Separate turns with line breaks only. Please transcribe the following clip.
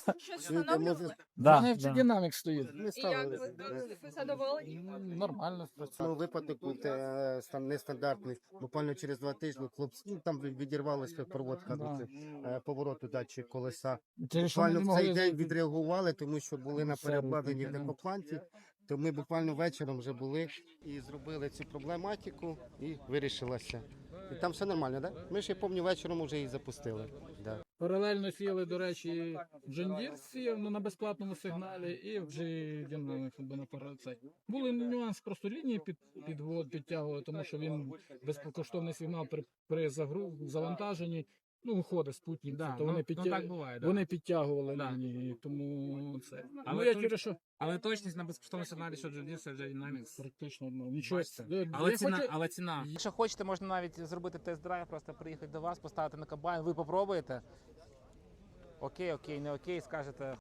Щось встановлювали?
Да,
Вони
да.
динамік стоїть.
Ми
І як
ставили.
ви задоволені?
Нормально
Ну,
спрацював.
випадок був нестандартний. Буквально через 2 тижні хлопці, там відірвалася проводка
Да.
повороту датчик колеса.
Через що ми
Буквально
не
в
могли
цей день
зайти.
відреагували, тому що були на
Все
переобладнанні в
робити, да.
декопланті. То ми буквально вечором вже були і зробили цю проблематику і вирішилася. І там все нормально, так? Да? Ми ж, я пам'ятаю, вечором вже її запустили. Да.
Паралельно сіяли, до речі, Джондір сіяв на безплатному сигналі і вже динамік на парацей. Були нюанс, просто лінії підтягували, тому що він безкоштовний сигнал при завантаженні, ну, виходить спутник,
Да,
то вони,
так буває, да.
вони підтягували
Да.
лінії, тому це.
Але
я
тут-
через що
Але точність на безкоштовному сигналі, що Джондір, це вже Dynamics.
практично нічого.
Бачите? Але ціна. Якщо хочете, можна навіть зробити тест-драйв, просто приїхати до вас, поставити на комбайн, ви попробуєте. Окей, не окей, скажете.